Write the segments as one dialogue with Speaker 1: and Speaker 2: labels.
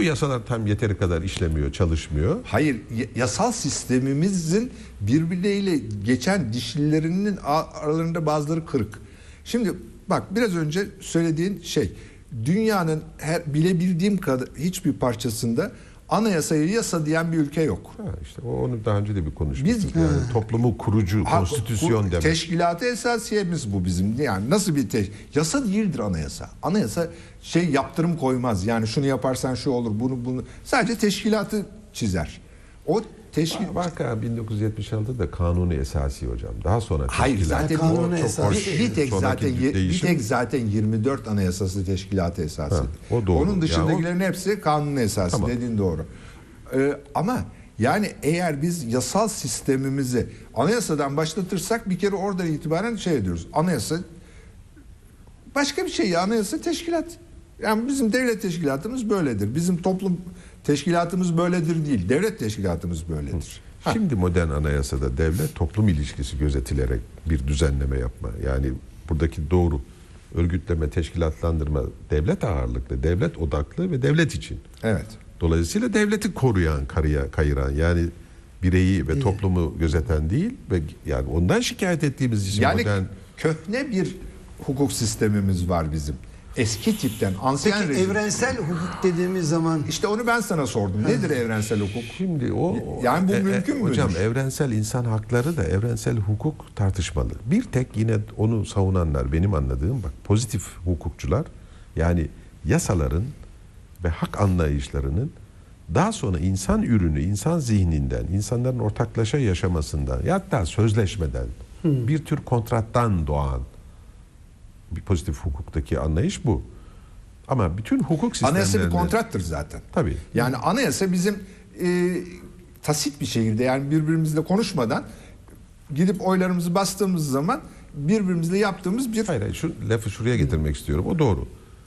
Speaker 1: bu yasalar tam yeteri kadar işlemiyor, çalışmıyor?
Speaker 2: Hayır, yasal sistemimizin birbirleriyle geçen dişlilerinin aralarında bazıları kırık. Şimdi bak, biraz önce söylediğin şey, dünyanın bilebildiğim kadar hiçbir parçasında anayasayı yasa diyen bir ülke yok.
Speaker 1: İşte onu daha önce de bir konuşmuştuk. Yani toplumu kurucu, konstitüsyon demek.
Speaker 2: Teşkilat-ı esasiyemiz bu bizim. Yani nasıl bir yasa değildir anayasa. Anayasa yaptırım koymaz. Yani şunu yaparsan şu olur, bunu sadece teşkilatı çizer. O
Speaker 1: Vaka 1976'da kanunu esası hocam. Daha sonra
Speaker 2: hayır, zaten
Speaker 3: kanunu esası.
Speaker 2: bir tek zaten 24 anayasası teşkilatı esası.
Speaker 1: O doğru.
Speaker 2: Onun dışındakilerin hepsi kanunu esası. Tamam. Dediğin doğru. Ama yani eğer biz yasal sistemimizi anayasadan başlatırsak bir kere oradan itibaren ediyoruz. Anayasa başka bir şey, anayasa teşkilat. Yani bizim devlet teşkilatımız böyledir. Bizim toplum teşkilatımız böyledir değil. Devlet teşkilatımız böyledir.
Speaker 1: Şimdi modern anayasada devlet toplum ilişkisi gözetilerek bir düzenleme yapma. Yani buradaki doğru örgütleme, teşkilatlandırma devlet ağırlıklı, devlet odaklı ve devlet için.
Speaker 2: Evet.
Speaker 1: Dolayısıyla devleti koruyan, kayıran, yani bireyi ve toplumu gözeten değil ve yani ondan şikayet ettiğimiz için
Speaker 2: yani
Speaker 1: modern...
Speaker 2: köhne bir hukuk sistemimiz var bizim. Eski tipten, ansiyen
Speaker 3: Peki
Speaker 2: rejim.
Speaker 3: evrensel hukuk dediğimiz zaman...
Speaker 2: İşte onu ben sana sordum. Nedir evrensel hukuk?
Speaker 1: Şimdi
Speaker 2: yani bu mümkün müdür?
Speaker 1: Hocam evrensel insan hakları da evrensel hukuk tartışmalı. Bir tek yine onu savunanlar, benim anladığım, bak, pozitif hukukçular, yani yasaların ve hak anlayışlarının daha sonra insan ürünü, insan zihninden, insanların ortaklaşa yaşamasından, hatta sözleşmeden, bir tür kontrattan doğan bir pozitif hukuktaki anlayış bu. Ama bütün hukuk sistemlerinde...
Speaker 2: Anayasa bir kontrattır zaten.
Speaker 1: Tabii.
Speaker 2: Yani anayasa bizim tasit bir şekilde, yani birbirimizle konuşmadan gidip oylarımızı bastığımız zaman birbirimizle yaptığımız bir...
Speaker 1: Hayır, şu lafı şuraya getirmek istiyorum. O doğru.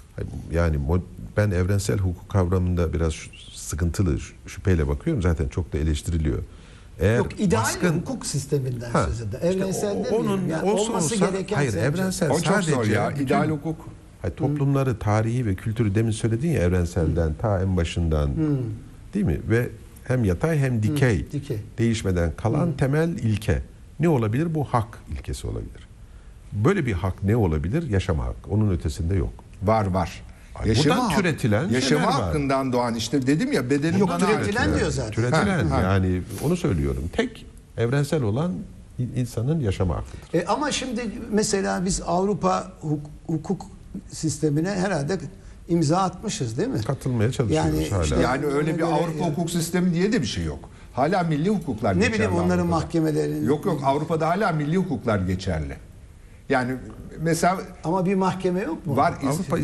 Speaker 1: Yani ben evrensel hukuk kavramında biraz sıkıntılı, şüpheyle bakıyorum. Zaten çok da eleştiriliyor. Eğer
Speaker 3: yok, ideal hukuk sisteminden söz eder. Evrensel
Speaker 1: işte
Speaker 3: demiyorum. Yani olması gereken...
Speaker 1: Hayır, evrensel
Speaker 2: o
Speaker 1: sadece...
Speaker 2: çok zor ya. İdeal hukuk.
Speaker 1: Hayır, toplumları, tarihi ve kültürü demin söyledin ya, evrenselden, ta en başından, değil mi? Ve hem yatay hem dikey, değişmeden kalan temel ilke. Ne olabilir? Bu hak ilkesi olabilir. Böyle bir hak ne olabilir? Yaşama hakkı. Onun ötesinde yok.
Speaker 2: Var.
Speaker 1: Buradan türetilen
Speaker 2: yaşama hakkından doğan, işte dedim ya, bedeli
Speaker 3: yok, türetilen diyor zaten.
Speaker 1: Türetilen yani onu söylüyorum. Tek evrensel olan insanın yaşama hakkıdır.
Speaker 3: Ama şimdi mesela biz Avrupa hukuk sistemine herhalde imza atmışız, değil mi?
Speaker 1: Katılmaya çalışıyoruz hala.
Speaker 2: Işte yani öyle bir Avrupa hukuk sistemi diye de bir şey yok. Hala milli hukuklar geçerli.
Speaker 3: Ne bileyim onların mahkemelerinin...
Speaker 2: Yok Avrupa'da hala milli hukuklar geçerli. Yani mesela...
Speaker 3: Ama bir mahkeme yok mu?
Speaker 2: Var.
Speaker 1: Avrupa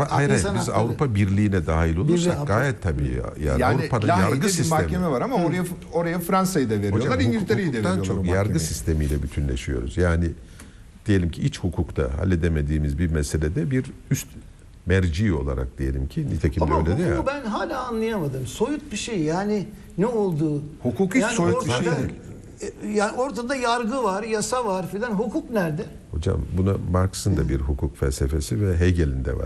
Speaker 1: biz Avrupa Birliği'ne dahil olursak gayet tabii yani Avrupa'da yargı sistemi.
Speaker 2: Mahkeme var ama oraya Fransa'yı da veriyorlar, İngiltere'yi de veriyorlar.
Speaker 1: Çok yargı sistemiyle bütünleşiyoruz. Yani diyelim ki iç hukukta halledemediğimiz bir meselede bir üst merci olarak diyelim ki, nitekim de öyle değil ya.
Speaker 3: Ama ben hala anlayamadım. Soyut bir şey, yani ne olduğu.
Speaker 2: Hukuk hiç soyut bir şey değil.
Speaker 3: Yani ortada yargı var, yasa var filan. Hukuk nerede?
Speaker 1: Hocam buna Marx'ın da bir hukuk felsefesi ve Hegel'in de var.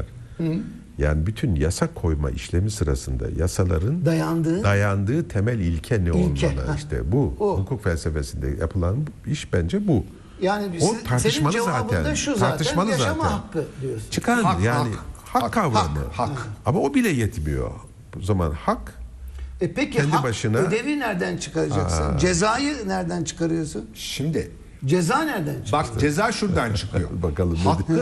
Speaker 1: Yani bütün yasa koyma işlemi sırasında yasaların dayandığı temel ilke ne olmalı? İşte bu hukuk felsefesinde yapılan iş bence bu.
Speaker 3: Yani
Speaker 1: o tartışmalı
Speaker 3: senin cevabın da şu zaten, yaşama hakkı diyorsun.
Speaker 1: Çıkan hak kavramı.
Speaker 2: Hak.
Speaker 1: Ama o bile yetmiyor. O zaman hak
Speaker 3: peki
Speaker 1: kendi
Speaker 3: hak
Speaker 1: başına...
Speaker 3: ödevi nereden çıkaracaksın? Cezayı nereden çıkarıyorsun?
Speaker 2: Şimdi
Speaker 3: ceza nereden çıkıyor?
Speaker 2: Bak, ceza şuradan çıkıyor.
Speaker 1: Bakalım.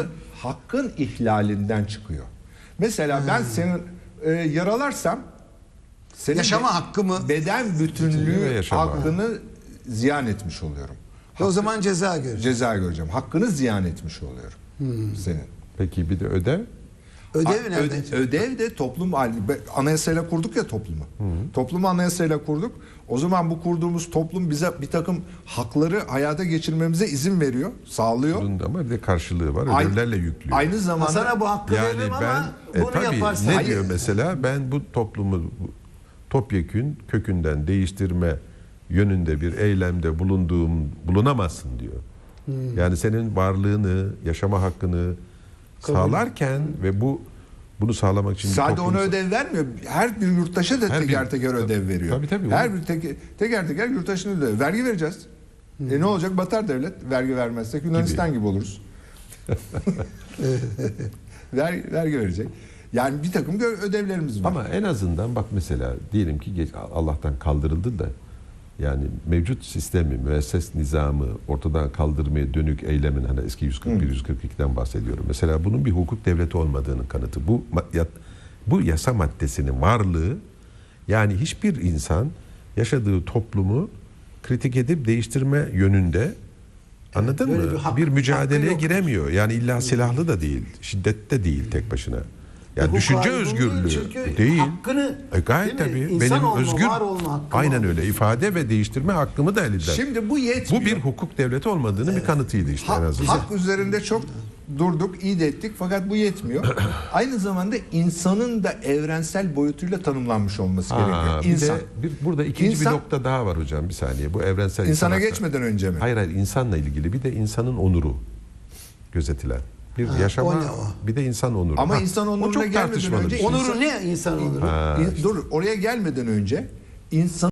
Speaker 2: Hakkın ihlalinden çıkıyor. Mesela ben senin yaralarsam senin
Speaker 3: yaşama hakkı mı?
Speaker 2: Beden bütünlüğü hakkını ziyan etmiş oluyorum.
Speaker 3: O zaman ceza göreceğim.
Speaker 2: Ceza göreceğim. Hakkını ziyan etmiş oluyorum senin.
Speaker 1: Peki bir de ödev?
Speaker 2: Ödev de toplum anayasayla kurduk ya toplumu. Toplumu anayasayla kurduk. O zaman bu kurduğumuz toplum bize bir takım hakları hayata geçirmemize izin veriyor, sağlıyor.
Speaker 1: Ama bir de karşılığı var. Ödevlerle yüklüyor.
Speaker 2: Aynı zamanda
Speaker 3: sana bu hakkı veririm ama bunu yaparsan.
Speaker 1: Ne diyor mesela? Ben bu toplumu topyekün kökünden değiştirme yönünde bir eylemde bulunamazsın diyor. Yani senin varlığını, yaşama hakkını sağlarken ve bu Bunu sağlamak için
Speaker 2: Sadece ona
Speaker 1: toplumsal-
Speaker 2: ödev vermiyor. Her bir yurttaşa da
Speaker 1: Her
Speaker 2: teker
Speaker 1: bir-
Speaker 2: teker ödev veriyor.
Speaker 1: Tabii,
Speaker 2: Her bir teker teker yurttaşına ödev. Vergi vereceğiz. Ne olacak? Batar devlet. Vergi vermezsek Yunanistan gibi oluruz. Vergi verecek. Yani bir takım ödevlerimiz var.
Speaker 1: Ama en azından bak mesela diyelim ki Allah'tan kaldırıldı da yani mevcut sistemi, müesses nizamı ortadan kaldırmaya dönük eylemin hani eski 141-142'den bahsediyorum. Mesela bunun bir hukuk devleti olmadığının kanıtı. Bu yasa maddesinin varlığı yani hiçbir insan yaşadığı toplumu kritik edip değiştirme yönünde anladın
Speaker 3: böyle
Speaker 1: mı?
Speaker 3: bir hak-
Speaker 1: Bir
Speaker 3: hakkı
Speaker 1: mücadeleye
Speaker 3: yok.
Speaker 1: giremiyor. Yani illa silahlı da değil, şiddette değil tek başına. Yani
Speaker 3: Hukuk
Speaker 1: düşünce
Speaker 3: ayrımı
Speaker 1: özgürlüğü
Speaker 3: değil, çünkü
Speaker 1: değil.
Speaker 3: hakkını,
Speaker 1: Gayet
Speaker 3: değil mi?
Speaker 1: tabii.
Speaker 3: İnsan
Speaker 1: Benim
Speaker 3: olma,
Speaker 1: özgür
Speaker 3: var olma hakkım
Speaker 1: aynen
Speaker 3: var.
Speaker 1: öyle ifade ve değiştirme hakkımı da elinden.
Speaker 2: Şimdi bu yetmiyor.
Speaker 1: Bu bir hukuk devleti olmadığını bir kanıtıydı işte en azından.
Speaker 2: Hak üzerinde çok durduk, iyi de ettik fakat bu yetmiyor. Aynı zamanda insanın da evrensel boyutuyla tanımlanmış olması gerekiyor.
Speaker 1: Bir
Speaker 2: İnsan.
Speaker 1: de burada ikinci
Speaker 2: İnsan-
Speaker 1: bir nokta daha var hocam bir saniye. Bu evrensel
Speaker 2: İnsana
Speaker 1: insan
Speaker 2: geçmeden önce mi?
Speaker 1: Hayır insanla ilgili bir de insanın onuru gözetilen. Bir yaşama
Speaker 3: o ne o?
Speaker 1: bir de insan onuru.
Speaker 2: Ama insan
Speaker 1: o
Speaker 2: onuruna
Speaker 1: çok
Speaker 2: gelmeden
Speaker 1: tartışmalı
Speaker 2: önce
Speaker 1: bir şey.
Speaker 3: Onuru ne insan onuru?
Speaker 2: Dur, oraya gelmeden önce insan